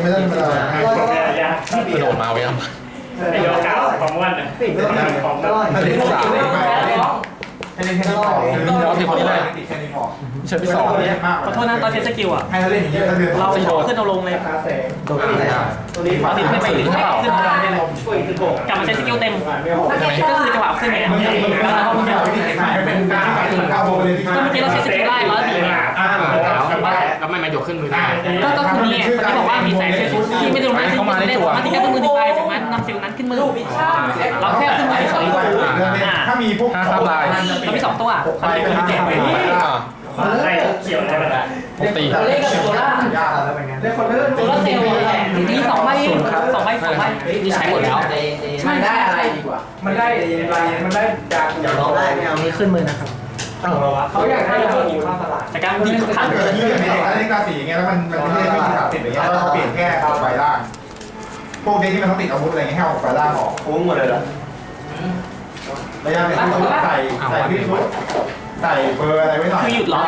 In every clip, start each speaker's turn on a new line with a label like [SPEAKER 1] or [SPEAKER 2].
[SPEAKER 1] ไม่ได้ธรรมดา
[SPEAKER 2] กระโดดมาไว้ยัง
[SPEAKER 3] ไอ้โยกาวของม้วนอ่ะของม้วน
[SPEAKER 1] อันนี้สามอันนี้แค่นี้พอ
[SPEAKER 2] เราที่คนแรก
[SPEAKER 1] แค่นี้พอ
[SPEAKER 2] เชิญที่สอง
[SPEAKER 4] ขอโทษนะตอนเทสกิลอ่ะ
[SPEAKER 1] ให้เราเล่นอย่างเงี้ยถ้าเดือด
[SPEAKER 4] เราขึ้นเอาลงเลย
[SPEAKER 2] โดดขึ้นได้
[SPEAKER 4] ตอนนี้ขึ้นไปขึ้นเอาลงได้เลยกลับมาใช้สกิลเต็มก็คือจังหวะขึ้นไงแล้วเราก็
[SPEAKER 1] เป็นการเข้าโบเลยที่
[SPEAKER 4] เมื่อกี้เราใช้สกิลไล่แล้วดี
[SPEAKER 2] แล้วไม่มายกขึ้นมือได้
[SPEAKER 4] ก็คือนี่คนที่บอกว่ามีแสงเซชุดที่ไม่ได้ลงได้ที่ไม่ได้มาที่แค่มือดีไปจากนั้นนำซิลนั้นขึ้นมือเราแค่ขึ้นมือเฉย
[SPEAKER 1] ถ้ามีพวก
[SPEAKER 4] เรามี2ตัวตอนนี้คือเจ็บ
[SPEAKER 3] ใช่เขียวอะไรแบบ
[SPEAKER 2] ตี
[SPEAKER 4] เล่นกับตัวล่าง
[SPEAKER 1] ยากแล้วเป็นไง
[SPEAKER 4] ตัวล่างเซลล์มี2ใบ2ใบ2ใบ
[SPEAKER 2] นี่ใช้หมดแล้ว
[SPEAKER 4] มันได้อะไรดีกว่า
[SPEAKER 1] มันได้มันได้ยาอย่าร้องได้ไม่เอา
[SPEAKER 4] นี้ขึ้นมือนะครับ
[SPEAKER 1] เขาอยากให้เราอยู่ข้างตลาด
[SPEAKER 4] จากการดีทุกครั้ง
[SPEAKER 1] เกิดที่อย่างนี้อันนี้กาสีอย่างเงี้ยแล้วมันไม่ได้ไม่ขาดติดอย่างเงี้ยแล้วเขาเปลี่ยนแค่เอาไฟล่างพวกเด็กที่มันต้องติดอาวุธอะไรเงี้ยให้เอาไฟล่างออกคุ้มหมดเลยเหรอระยะเป็นชุดใส่ที่ชุดใส่เบอร์อะไรไว้หน่อย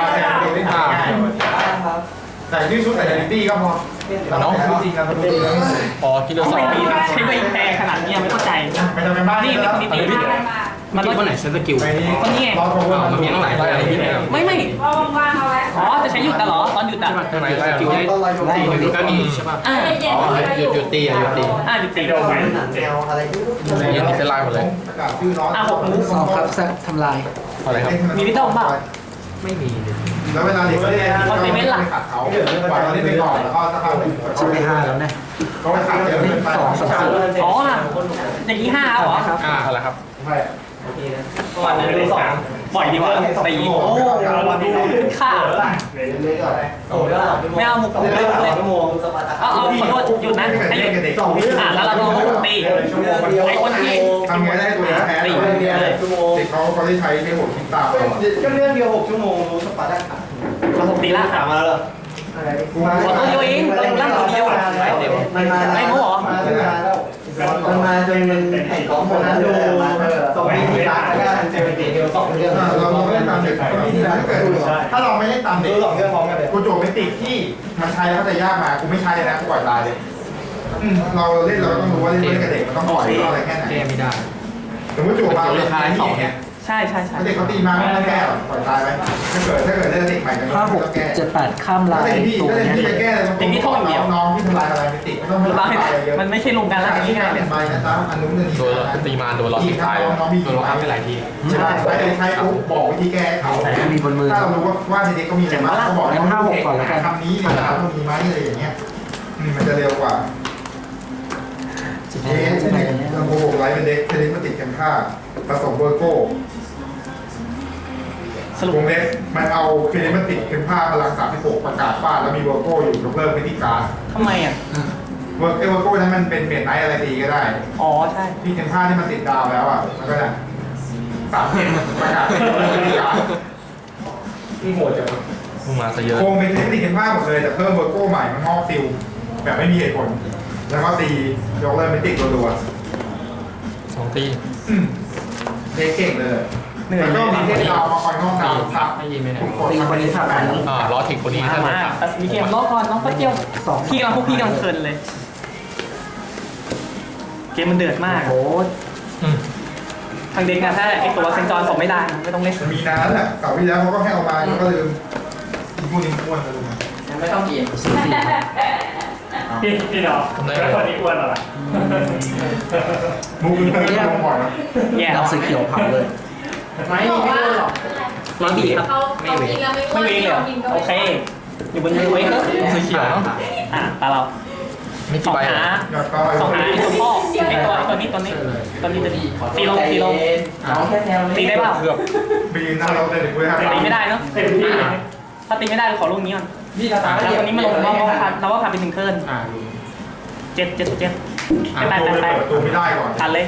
[SPEAKER 1] ใส่ที่ชุดใส่เดลิตี้ก็พอน้องจริงนะจริง
[SPEAKER 2] พอคิดเรื่องสอง
[SPEAKER 4] ใช้ใบแพรขนาดนี้ไม่เข้าใจ
[SPEAKER 1] ไม่ทำเป็นบ้าน
[SPEAKER 4] นี่เป็นคนดี
[SPEAKER 2] มันคิดว่าไหนเซนสกิล
[SPEAKER 4] คนนี้
[SPEAKER 2] มันมีตั้งหลายได้อะไรพี่เนี่ย
[SPEAKER 4] ไม่
[SPEAKER 5] ว่างๆเอาไว้
[SPEAKER 4] อ๋อจะใช้หยุดตลอดตอนหยุดอ่ะ
[SPEAKER 2] ใช่ไหมสกิลได้ตีมันก็มีใช่ป่ะ หยุดตีอ่ะหยุดตี
[SPEAKER 4] หยุดตี
[SPEAKER 3] โดนไป
[SPEAKER 2] ยังมีเซนไลน์หมดเลย
[SPEAKER 1] ชื่อน้อง
[SPEAKER 6] ครับทำลาย
[SPEAKER 2] อะไรครับ
[SPEAKER 4] มีวิตองเปล่า
[SPEAKER 2] ไม่มี
[SPEAKER 1] แล้วเวลาเด็กก็เล่นเขาไม่ขัดเขาปล่อยเขาเล่นไปก่อนแล้วก็ถ้าเขา
[SPEAKER 6] ใช่ไหม5แล้วเนี่ย
[SPEAKER 1] เขาไปขัดเยอะเกินไป
[SPEAKER 4] อ๋ออย่างนี้5เหรอ
[SPEAKER 2] อะไรครับ
[SPEAKER 1] ใช่
[SPEAKER 4] วันนั้นดู2ปล่อยดีกว่าตีโอ้ค่าไม่เอาหมุกเลยเอาขอโทษหยุดนะให้หยุดแล้วเราลองตีไอ้คนที่
[SPEAKER 1] ทำไงได้ตัวแพ้เด็กเขาได้ใช้ในหัวคิดตาม
[SPEAKER 6] ก็เรื่องเดียว6 ชั่วโมงรู้สปาร์ต้าขา
[SPEAKER 4] เราตีล่าขามาแล้วขอตัวเดียวเองล่างตัวเดียว
[SPEAKER 6] มันมาไม่รู้หรอมันมาจนมันแข่งของคนนั้นดูส่งไปที่ร้านแล้วก็เจอเดียว2 เรื่อง
[SPEAKER 1] เราเล่นตามเด็กก็มีที่ร้านถ้าเกิดถ้าเราไม่เล่นตามเด็ก
[SPEAKER 6] 2 เรื่องพร้อมกันเลย
[SPEAKER 1] กูโจไม่ติดที่มันใช้แล้วแต่ยากมากูไม่ใช้เลยนะกูปล่อยตายเลยเราเล่นเราต้องรู้ว่าเล่นกับเด็กมันต้องปล่อยอะไรแค่ไหน
[SPEAKER 2] แก้ไม่ได้
[SPEAKER 1] สมมติจู่มาเล่นสองเนี่ย
[SPEAKER 4] ใช่
[SPEAKER 1] ถ้าเด็กเขาตีมาไม่ต้องแก้หรอกปล่อยตายไปถ้าเกิดเล่นเด็กใหม่กันไม่ต้องแก้
[SPEAKER 6] 5 6 7 8ข้ามลา
[SPEAKER 1] ถ้าย เด็กพี่
[SPEAKER 6] ตัว
[SPEAKER 1] ถ้าเด็ก
[SPEAKER 6] นี้
[SPEAKER 1] พี่จะแก้อะไรน้องที่ทำลายอะไรไม่ติดไม่ต้องทำลายอะไรเยอะ
[SPEAKER 4] มันไม่ใช่ลงการแล้วที่ง่าย
[SPEAKER 1] เปลี่ยนไปนะจ๊ะอันนู้นนี่
[SPEAKER 2] โดนตีมาโดนล็อกที่ตายโดนล็อกไปหลายที
[SPEAKER 1] ใช่ใช้ปุ๊บบอกวิธีแก้เขา
[SPEAKER 6] มีบนมือ
[SPEAKER 1] ถ้าเรารู้ว่าเด็กก็มีอะไรมาเขาบอกคำนี้เนี่ยต้องมีไหมอะไรอย่างเงี้ยมันจะเร็วกว่าเอ๊ะเราโกหกไลฟ์เป็นเด็กเด็กมาติดกันค่าผสมเบอร์โก้
[SPEAKER 4] สรุป
[SPEAKER 1] วงเล็บมันเอาเคลมาติดเป็นผ้าพลัง36ประกาศฟาดแล้วมีเบอร์โก้อยู่ยกเลิกวิธีการ
[SPEAKER 4] ทำไมอ่ะ
[SPEAKER 1] เบอร์โก้นั้นมันเป็นเปลี่ยนไนท์อะไรดีก็ได้
[SPEAKER 4] อ๋อใช่
[SPEAKER 1] ที่เป็นผ้าที่มันติดดาวแล้วอ่ะมันก็จะ37ประกาศยกเลิกวิธีการที่โหดจัง
[SPEAKER 2] มึงมาซะเยอะ
[SPEAKER 1] โครงเป็นเทคนิคเป็นผ้าหมดเลยแต่เพิ่มเบอร์โก้ใหม่มันงอกซิลแบบไม่มีเหตุผลแล้วก็ตียกเลิกเป็นติดรัว
[SPEAKER 2] 2 ตี
[SPEAKER 1] เก่งเลยแล้วก็มีเทคดาวมาคอยงอกดาวทับ
[SPEAKER 2] ไม่ยินไหมเนี่ย
[SPEAKER 6] ตีคนนี้ถัดไป
[SPEAKER 2] ล้อถิกคนนี้ถ้าโดน
[SPEAKER 4] มา
[SPEAKER 2] ตัด
[SPEAKER 4] แต่มีเกมล้อก่อนน้องก็เกี่ยวพี่กำลังพวกพี่กำลังเพลินเลย เกมมันเดือดมาก
[SPEAKER 6] โอ้
[SPEAKER 4] ทางเด็กนะถ้าไอตัวเซนจอนส่งไม่ได้ไม่ต้องเล่น
[SPEAKER 1] มีนานแหละเสาร์ที่แล้วเขาก็ให้เอามาก็ลืมพวกนี้อ้วนเลย
[SPEAKER 4] ไม่ต้องเกียร์
[SPEAKER 3] พี่น้องแล้วคนนี้อ้วนเหรอ
[SPEAKER 1] มูฟเคยลงบ่อยนะ
[SPEAKER 4] แย่
[SPEAKER 6] ดาวสีเขียวเผาเลย
[SPEAKER 4] ไม่ไม่โดนหรอกร้อนดีครับ
[SPEAKER 5] เขากินแล้วไม่
[SPEAKER 4] ไม่เวงเลยเหรอโอเค อยู่บนมือเว้ยก็
[SPEAKER 2] สีเขียวเนาะ
[SPEAKER 4] ตาเรา
[SPEAKER 2] ไม่
[SPEAKER 4] ส
[SPEAKER 2] กี่
[SPEAKER 4] อง
[SPEAKER 2] ใบ
[SPEAKER 4] หาสองหาไอตัวพ่อไอตัวนี้จะดีตีลงตีได้เปล่า
[SPEAKER 2] เกือบ
[SPEAKER 1] ไปยืนหน้าเราเลยเดี๋ยวกูจะ
[SPEAKER 4] ตีไม่ได้เนาะถ้าตีไม่ได้ขอลูกนี้ก่อนแล้ววันนี้มาลงเราว่าผ่านไป1 เทิร์น7 7 7
[SPEAKER 1] ไปเปิดประตูไม่ได้ก่อน
[SPEAKER 4] ผ่านเลย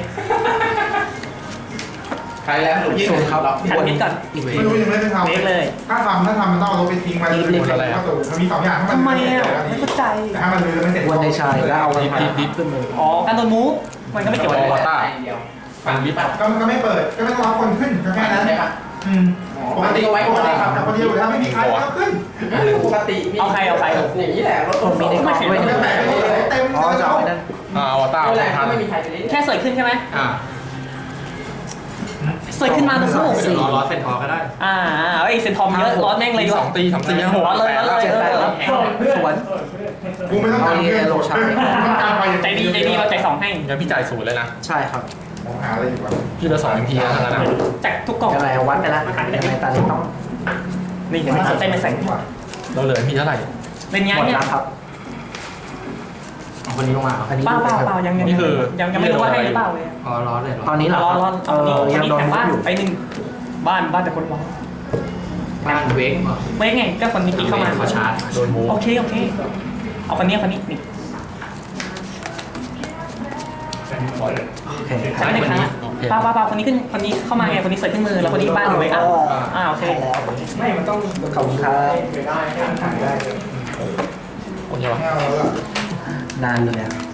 [SPEAKER 6] ใครแล้วหนูพี่ชมครับ
[SPEAKER 4] ผ่านมิดก่อน
[SPEAKER 1] ไม่รู้ยังไม่ได้ทำ
[SPEAKER 4] เล็กเลย
[SPEAKER 1] ถ้าทำมันต้องเอารถไปทิ้งไว้เลยประตูมันมี2อย่าง
[SPEAKER 4] ทำไมอ่ะไม่เข้าใจ
[SPEAKER 1] แต่ถ้ามันลืมไม่เสร็จ
[SPEAKER 6] วันในชายแล้วเอาดิบขึ้นมือ
[SPEAKER 4] อ๋อการโดนมูฟมันก็ไม่เกี่ยว
[SPEAKER 2] โอ
[SPEAKER 4] อะไร
[SPEAKER 2] วาต้าฟันวิป
[SPEAKER 1] ก็ไม่เปิดก็ไม่ต้องรับคนขึ้นแค่นั้นปกติไว้ปกติครับแต่คนเดียวแล้วไม่มีใครก็ขึ้น
[SPEAKER 6] ปกติ
[SPEAKER 4] เอาใคร
[SPEAKER 6] อย่างนี้แหละรถผมมีในกล่องด้วย
[SPEAKER 1] ไม่แปลกเลย
[SPEAKER 2] อวตารทัน
[SPEAKER 4] แค่เสยขึ้นใช่ไหม เสยขึ้นมาตัวสู้
[SPEAKER 2] เดี๋ยวรอเซนทอร์ก็ได้
[SPEAKER 4] ไอ้เซนทอมเยอะร้อนแม่งเลย
[SPEAKER 2] สองตีสามตีห้าหก
[SPEAKER 4] ร้อนเลย
[SPEAKER 6] สวน
[SPEAKER 1] กูไม่ต้องการเพื่อนต้องการไป
[SPEAKER 4] ใจดีเราใจสองให้
[SPEAKER 2] งั้นพี่จ่าย0เลยนะ
[SPEAKER 6] ใช่ครับ
[SPEAKER 1] มองหาอะไรอยู่วะ
[SPEAKER 2] พี่เหลือ2 MP แล้วนะ
[SPEAKER 4] จากทุกกล่อง
[SPEAKER 6] ยังไงวัดไปแล้วยังไงตาเล็กต้อง
[SPEAKER 4] นี่เห็นไหมสนใจไม่ใส่
[SPEAKER 2] เราเหลือพี่เท่าไหร่
[SPEAKER 4] เล่น
[SPEAKER 6] ห
[SPEAKER 4] งาน
[SPEAKER 6] มด
[SPEAKER 4] เนี่ย
[SPEAKER 6] แล้วครับ
[SPEAKER 2] คนนี้ลงมา
[SPEAKER 6] อันนี้
[SPEAKER 4] เปล่ายังไม่รู้ว่าให้หรือเปล่าเลย
[SPEAKER 2] อ๋อร้อนเลยเหรอ
[SPEAKER 6] ตอนนี้เหรอ
[SPEAKER 4] ร้อนคนนี้แถมบ้านไปหนึ่งบ้านแต่คนร้อน
[SPEAKER 2] บ้านเวก
[SPEAKER 4] เว้ยไงก็คนนี้เข้ามา
[SPEAKER 2] เขาชาร์จโดนมู
[SPEAKER 4] โอเคเอาคนนี้นี่
[SPEAKER 6] โอเค
[SPEAKER 4] ใช่ไหมครับเปล่าคนนี้ขึ้นคนนี้เข้ามาไงคนนี้เสร็จขึ้นมือแล้วคนนี้บ้านหรือไม่โอเค
[SPEAKER 6] ไม่มันต้องขอบคุณครับ
[SPEAKER 2] โอเค
[SPEAKER 1] ไม่เอาแล้วล่ะ
[SPEAKER 6] นานเลย